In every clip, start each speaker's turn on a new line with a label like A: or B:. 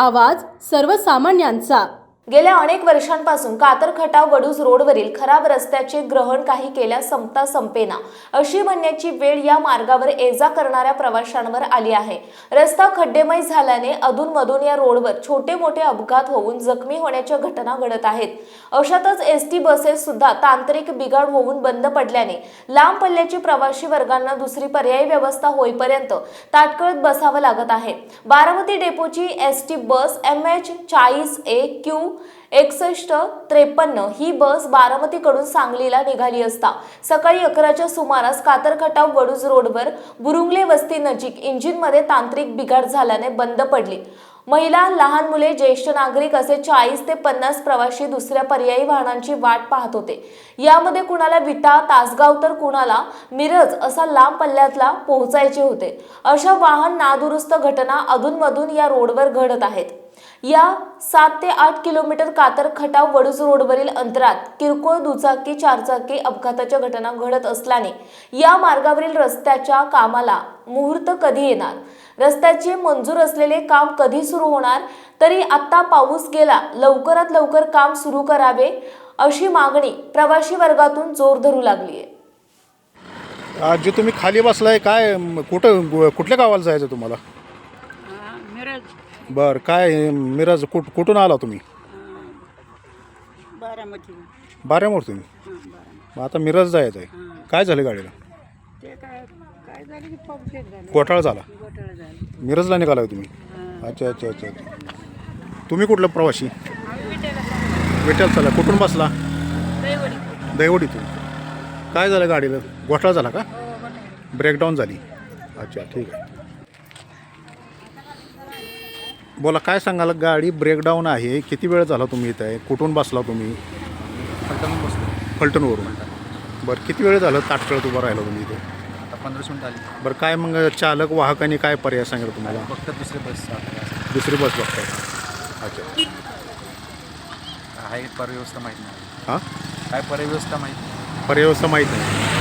A: आवाज सर्वसामान्यांचा।
B: गेल्या अनेक वर्षांपासून कातर-खटाव वडूज रोडवरील खराब रस्त्याचे ग्रहण काही केल्या संपता संपेना अशी म्हणण्याची वेळ या मार्गावर ये-जा करणाऱ्या प्रवाशांवर आली आहे। रस्ता खड्डेमय झाल्याने अधूनमधून या रोडवर छोटे-मोठे अपघात होऊन जखमी होण्याच्या घटना घडत आहेत। अशातच एसटी बसेस सुद्धा तांत्रिक बिघाड होऊन बंद पडल्याने लांब पल्ल्याची प्रवासी वर्गांना दुसरी पर्यायी व्यवस्था होईपर्यंत ताटकळत बसावं लागत आहे। बारामती डेपोची एसटी बस MH40A Q 6153 ही बस बारामतीकडून सांगलीला निघाली असता सकाळी 11च्या सुमारास कातर-खटाव वडूज रोडवर बुरुंगले वस्ती नजीक इंजिनमध्ये तांत्रिक बिघाड झाल्याने बंद पडली। महिला, लहान मुले, ज्येष्ठ नागरिक असे 40 ते 50 प्रवासी दुसऱ्या पर्यायी वाहनांची वाट पाहत होते। यामध्ये कुणाला विटा, तासगाव तर कुणाला मिरज असा लांब पल्ल्यातला पोहोचायचे होते। अशा वाहन नादुरुस्त घटना अधूनमधून या रोडवर घडत आहेत। या 7 ते 8 किलोमीटर कातर-खटाव वडूज रोडवरील अंतरात किरकोळ दुचाकी, चारचाकी अपघाताच्या घटना घडत असल्याने या मार्गावरील रस्त्याच्या कामाला मुहूर्त कधी येणार, रस्त्याचे मंजूर असलेले काम कधी सुरू होणार, तरी आता पाऊस गेला लवकरात लवकर काम सुरू करावे अशी मागणी प्रवासी वर्गातून जोर धरू लागली आहे।
C: आज जे तुम्ही खाली बसलाय काय कुठल्या गावाला जायचं तुम्हाला?
D: मिरज।
C: बरं, काय मिरज कुठून आला तुम्ही? बारामती तुम्ही? मग आता मिरज जायचं आहे, काय झालं गाडीला?
D: ते काय झालं की पाऊस एक झाला,
C: घोटाळा झाला,
D: घोटाळा झाला।
C: मिरजला निघाला तुम्ही? अच्छा अच्छा अच्छा अच्छा। तुम्ही कुठलं प्रवासी? विठ्ठल चला, कुठून बसला? दहिवडीतून। काय झालं गाडीला? घोटाळा झाला का? ब्रेकडाऊन झाली? अच्छा ठीक आहे। बोला, काय सांगाल? गाडी ब्रेकडाऊन आहे, किती वेळ झाला तुम्ही इथं आहे? कुठून बसला तुम्ही?
E: फलटणहून बसलो।
C: फलटणवरून? बरं, किती वेळ झालं ताटकळत उभं राहिला तुम्ही इथे?
E: आता 15 मिनिटं आली।
C: बरं, काय मग चालक वाहकांनी काय पर्याय सांगितलं तुम्हाला?
E: फक्त दुसरी बस
C: दुसरी बस बघताय? अच्छा,
E: आहे परिव्यवस्था माहीत नाही।
C: हां,
E: काय परिव्यवस्था माहीत नाही?
C: पर्यावस्था माहीत नाही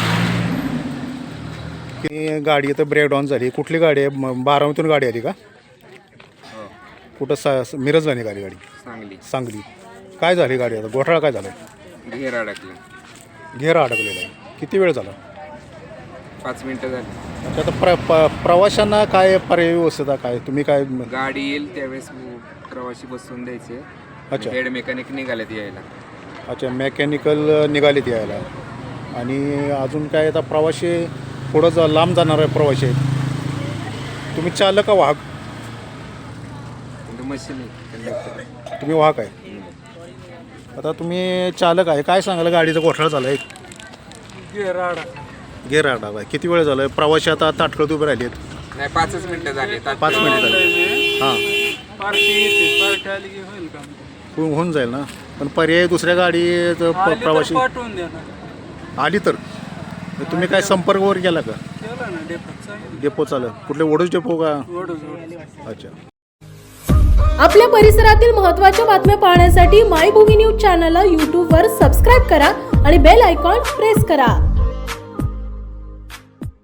C: की गाडी इथं ब्रेकडाऊन झाली। कुठली गाडी आहे? बारामतीतून गाडी आली का?
E: हो,
C: कुठं मिरजला निघाली गाडी?
E: सांगली।
C: सांगली। काय झाली गाडी? आता घोटाळा काय झाला?
E: घेर अडकलं।
C: घेर अडकलेला आहे। किती वेळ झाला?
E: 5 मिनिटं झाली।
C: अच्छा, आता प्रवाशांना काय पर्याय व्यवस्था काय तुम्ही काय?
E: गाडी येईल त्यावेळेस प्रवासी बसून द्यायचे।
C: अच्छा,
E: हेड मेकॅनिक निघालेत यायला।
C: अच्छा, मेकॅनिकल निघालेत यायला। आणि अजून काय आता प्रवासी पुढं लांब जाणार आहे प्रवासी आहेत। तुम्ही चालक का वाहक?
E: Machine conductor.
C: तुम्ही वाहक आहे? आता तुम्ही चालक आहे, काय सांगाल? गाडीचा घोटाळा झाला आहे, गेर अडकला। किती वेळ झाला? प्रवासी आता ताटकळत उभे राहिले आहेत?
E: नाही, 5 मिनिटं झाली।
C: 5 मिनिटं झाली? हां, होऊन जाईल ना, पण पर्याय दुसऱ्या गाडी प्रवासी आली तर तुम्ही काय संपर्क वगैरे केला का? डेपो चालू? कुठले वडूज डेपो का? अच्छा।
A: आपल्या परिसरातील महत्त्वाच्या बातम्या पाहण्यासाठी मायभूमी न्यूज चॅनलला YouTube वर सबस्क्राईब करा आणि बेल आयकॉन प्रेस करा।